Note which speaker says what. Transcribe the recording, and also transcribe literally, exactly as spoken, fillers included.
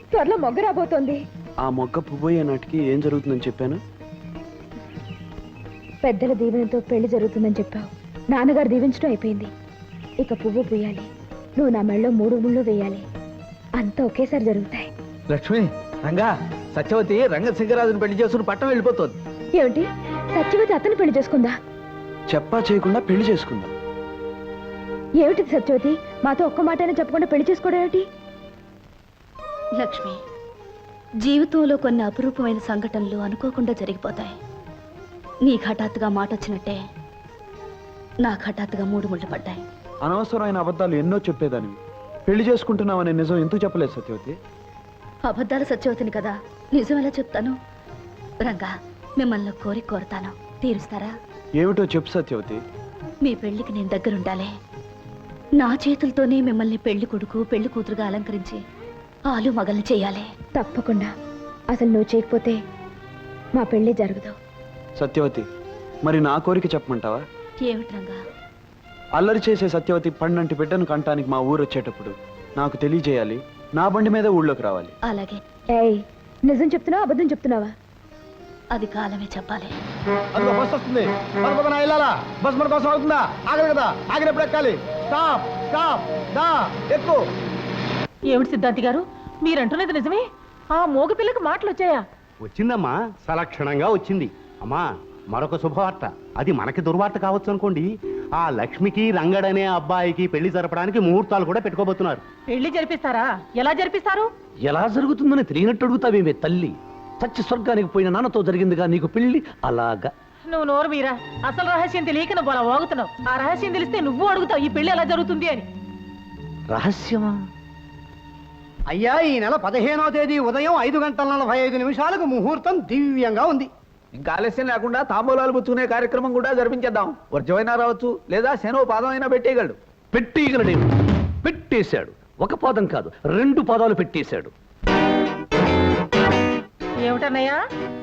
Speaker 1: త్వరలో మొగ్గ రాబోతోంది.
Speaker 2: ఆ మొగ్గ పువ్వయ్యే నాటికి ఏం జరుగుతుందని చెప్పాను?
Speaker 1: పెద్దల దీవెనతో పెళ్లి జరుగుతుందని చెప్పావు. నాన్నగారు దీవించడం అయిపోయింది. ఇక పువ్వు పూయాలి, నువ్వు నా మెళ్ళలో మూడు ముళ్ళు వేయాలి. అంతా ఒకేసారి జరుగుతాయి.
Speaker 3: లక్ష్మి, రంగా, సత్యవతి రంగశంకరాజుని పెళ్లి చేసుకుని పట్టం వెళ్ళిపోతుంది.
Speaker 1: ఏమిటి, సత్యవతి అతను పెళ్లి చేసుకుందా?
Speaker 2: చెప్పా చేయకుండా పెళ్లి చేసుకుందాం.
Speaker 1: ఏమిటి సత్యవతి, మాతో ఒక్క మాటైనా చెప్పకుండా పెళ్లి చేసుకోవడం ఏమిటి?
Speaker 4: లక్ష్మి, జీవితంలో కొన్ని అపురూపమైన సంఘటనలు అనుకోకుండా జరిగిపోతాయి. నీకు హఠాత్తుగా మాట వచ్చినట్టే నాకు హఠాత్తుగా మూడు ముళ్ళు పడ్డాయి.
Speaker 2: అనవసరమైన అబద్ధాలు ఎన్నో చెప్పేదాన్ని. పెళ్లి చేసుకుంటున్నామనే నిజం ఎందుకు చెప్పలేదు సత్యవతి?
Speaker 4: అబద్ధాలు సత్యవతిని కదా, నిజం ఎలా చెప్తాను? రంగా, మిమ్మల్ని కోరి కోరతాను, తీరుస్తారా?
Speaker 2: ఏమిటో చెప్పు సత్యవతి.
Speaker 4: మీ పెళ్లికి నేను దగ్గరుండాలి. నా చేతులతోనే మిమ్మల్ని పెళ్లి కొడుకు పెళ్లి కూతురుగా అలంకరించి ఆలు మగల్ని చేయాలి.
Speaker 1: తప్పకుండా. అసలు నువ్వు చేయకపోతే మా పెళ్లి జరగదు.
Speaker 2: సత్యవతి, మరి నా కోరిక చెప్పమంటావా?
Speaker 4: ఏమిటి రంగా?
Speaker 2: అల్లరి చేసే సత్యవతి పండంటి బిడ్డను కంటానికి మా ఊరు వచ్చేటప్పుడు నాకు తెలియజేయాలి. నా బండి మీద ఊళ్ళోకి రావాలి.
Speaker 4: అలాగే.
Speaker 1: ఏయ్, నిజం చెప్తున్నావా అబద్ధం చెప్తున్నావా?
Speaker 4: అది కాలమే చెప్పాలి.
Speaker 3: అందులో బస్ వస్తుంది. మన పక్కన వెళ్ళాలా? బస్ మన కోసం అవుతుందా? ఆగదు కదా, ఆగినప్పుడు ఎక్కాలి. స్టాప్ స్టాప్ దా ఎక్కు.
Speaker 5: ఏమిటి సిద్ధాంతి గారు, మీరంటున్నది నిజమే? ఆ మోగ పిల్లకి మాటలు వచ్చాయా?
Speaker 6: వచ్చిందమ్మా, సలక్షణంగా వచ్చింది. అమ్మా, మరొక శుభవార్త. అది మనకి దుర్వార్త కావచ్చు అనుకోండి. ఆ లక్ష్మికి రంగడనే అబ్బాయికి పెళ్లి జరపడానికి ముహూర్తాలు కూడా పెట్టుకోబోతున్నారు.
Speaker 5: పెళ్లి జరిపిస్తారా? ఎలా జరిపిస్తారు?
Speaker 7: ఎలా జరుగుతుందని తెలియనట్టు అడుగుతావేమే తల్లి? చచ్చి స్వర్గానికి పోయిన నాన్నతో జరిగిందిగా నీకు పెళ్లి. అలాగా
Speaker 5: నువ్వు నోరు మీరా, అసలు రహస్యం తెలియక నువ్వు అలా వాగుతున్నావు. ఆ రహస్యం తెలిస్తే నువ్వు అడుగుతావు ఈ పెళ్లి ఎలా జరుగుతుంది అని.
Speaker 7: రహస్యమా?
Speaker 6: అయ్యా, ఈ నెల పదిహేనో తేదీ ఉదయం ఐదు గంటల నలభై ఐదు నిమిషాలకు ముహూర్తం దివ్యంగా ఉంది.
Speaker 3: ఇంకా ఆలస్యం లేకుండా తాంబూలాలు పుచ్చుకునే కార్యక్రమం కూడా జరిపించేద్దాం. వర్జమైనా రావచ్చు, లేదా శనో పాదం అయినా పెట్టేయగలడు.
Speaker 7: పెట్టేయగలడేమి? పెట్టేశాడు. ఒక పాదం కాదు, రెండు పాదాలు పెట్టేశాడు.
Speaker 5: ఏమిటన్నయ్యా?